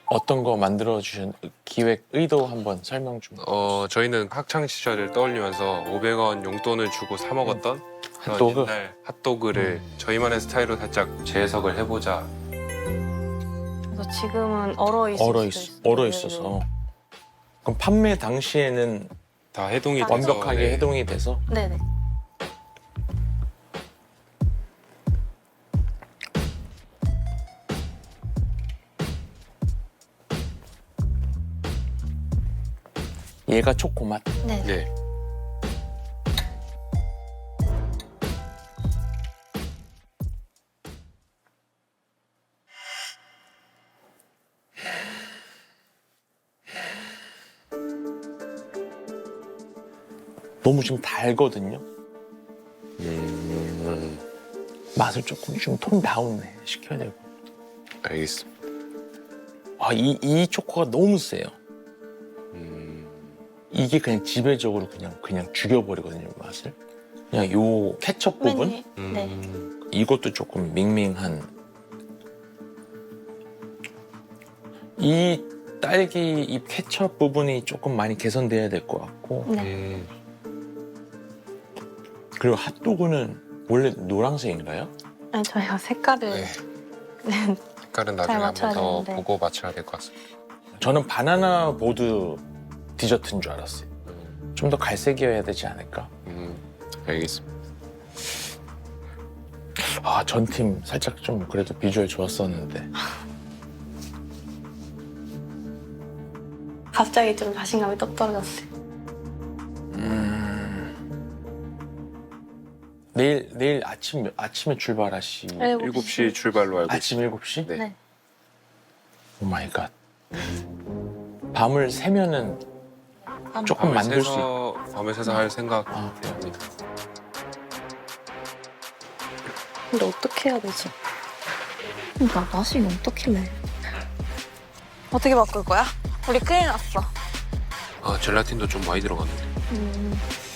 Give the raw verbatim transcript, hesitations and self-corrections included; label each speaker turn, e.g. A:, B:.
A: 어떤 거 만들어 주신 기획 의도 한번 설명 좀.
B: 어 저희는 학창 시절을 떠올리면서 오백 원 용돈을 주고 사 먹었던 그런
A: 핫도그?
B: 옛날 핫도그를 저희만의 스타일로 살짝 재해석을 해보자.
C: 그래서 지금은 얼어 있을
A: 얼어
C: 수도
A: 있
C: 있어요.
A: 얼어
C: 네,
A: 있어서. 그럼 판매 당시에는
B: 다 해동이 돼서,
A: 완벽하게
B: 네.
A: 해동이 돼서.
C: 네. 네네.
A: 얘가 초코 맛.
C: 네. 네.
B: 네.
A: 너무 지금 달거든요.
B: 음,
A: 맛을 조금 좀 톤 다운해 시켜야 되고.
B: 알겠습니다.
A: 아, 이, 이 초코가 너무 세요.
B: 음,
A: 이게 그냥 지배적으로 그냥 그냥 죽여버리거든요, 맛을. 그냥 요 케첩 부분
C: 네.
B: 음,
C: 네.
A: 이것도 조금 밍밍한. 이 딸기 이 케첩 부분이 조금 많이 개선돼야 될 것 같고.
C: 네.
B: 음,
A: 그리고 핫도그는 원래 노란색인가요?
C: 아니 저희가 색깔을
B: 네.
C: 네.
B: 색깔은 나중에 한
C: 맞춰야
B: 번 더
C: 되는데.
B: 보고 맞춰야 될 것 같습니다.
A: 저는 바나나 보드 디저트인 줄 알았어요.
B: 음,
A: 좀 더 갈색이어야 되지 않을까?
B: 음, 알겠습니다.
A: 아, 전 팀 살짝 좀 그래도 비주얼 좋았었는데.
C: 갑자기 좀 자신감이 떡 떨어졌어요.
A: 내일 내일 아침 아침에 출발하시.
B: 일곱 시 출발로 알고
A: 아침
B: 있습니다.
A: 일곱 시?
B: 네.
C: 네.
A: 오 마이 갓. 밤을 새면은 조금
B: 밤을
A: 만들 수 있.
B: 새서 밤을 새서 할
A: 아.
B: 생각입니다.
C: 근데 어떻게 해야 되지? 나 맛이 어떻게 내? 어떻게 바꿀 거야? 우리 큰일 났어.
B: 아 젤라틴도 좀 많이 들어갔는데.
C: 음.